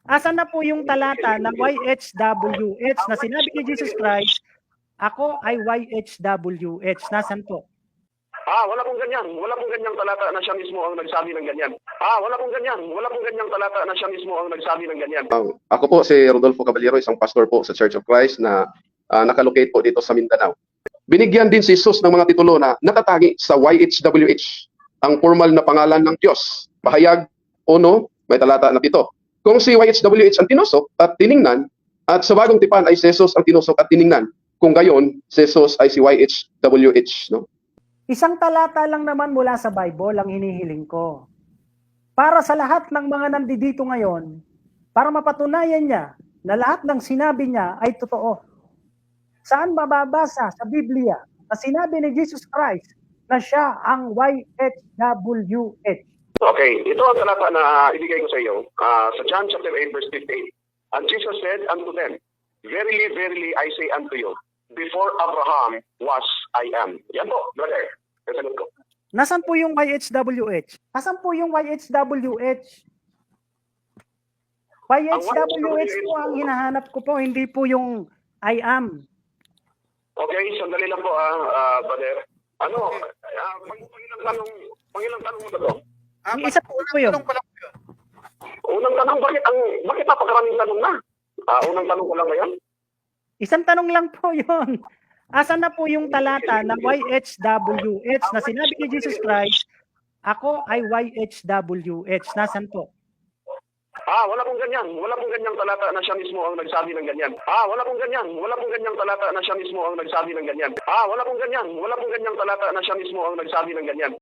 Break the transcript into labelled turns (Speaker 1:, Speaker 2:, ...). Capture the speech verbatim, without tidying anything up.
Speaker 1: Asan na po yung talata ng Y H W H na sinabi ni Jesus Christ, ako ay Y H W H. Nasaan po?
Speaker 2: Ah, wala pong ganyan. Wala pong ganyang talata na siya mismo ang nagsabi ng ganyan. Ah, wala pong ganyan. Wala pong ganyang talata na siya mismo ang nagsabi ng ganyan.
Speaker 3: Uh, ako po si Rodolfo Caballero, isang pastor po sa Church of Christ na uh, nakalocate po dito sa Mindanao. Binigyan din si Jesus ng mga titulo na nakatangi sa Y H W H, ang formal na pangalan ng Diyos. Pahayag uno, may talata na pito. Kung si Y H W H ang tinusok at tiningnan, at sa bagong tipan ay si Jesus ang tinusok at tiningnan, kung gayon, si Jesus ay si Y H W H. No?
Speaker 1: Isang talata lang naman mula sa Bible ang hinihiling ko. Para sa lahat ng mga nandito ngayon, para mapatunayan niya na lahat ng sinabi niya ay totoo. Saan mababasa sa Biblia na sinabi ni Jesus Christ na siya ang Y H W H?
Speaker 2: Okay, ito ang talata na ibigay ko sa iyo uh, sa John chapter eight verse fifteen. And Jesus said unto them, Verily, verily, I say unto you, before Abraham was, I am. Yan po, brother. Kasagot ko.
Speaker 1: Nasaan po yung Y H W H? Nasaan po yung Y H W H? Y H W H po ang hinahanap ko po, hindi po yung I am.
Speaker 2: Okay, sandali lang po, ah, uh, brother. Ano, uh, pang, pangilang tanong, pangilang tanong mo ba ito?
Speaker 4: Ah,
Speaker 1: Yung isa po po yun.
Speaker 4: tanong pala po yun.
Speaker 2: Unang tanong, bakit ang bakit napakaraming tanong na? Ah, unang tanong ko lang ba yan?
Speaker 1: Isang tanong lang po yun. Asan na po yung talata ng Y H W H na sinabi ni Jesus Christ, ako ay Y H W H. Nasaan po?
Speaker 2: Ah, wala pong ganyan. Wala pong ganyang talata na siya mismo ang nagsabi ng ganyan. Ah, wala pong ganyan. Wala pong ganyang talata na siya mismo ang nagsabi ng ganyan. Ah, wala pong ganyan. Wala pong ganyang talata na siya mismo ang nagsabi ng ganyan.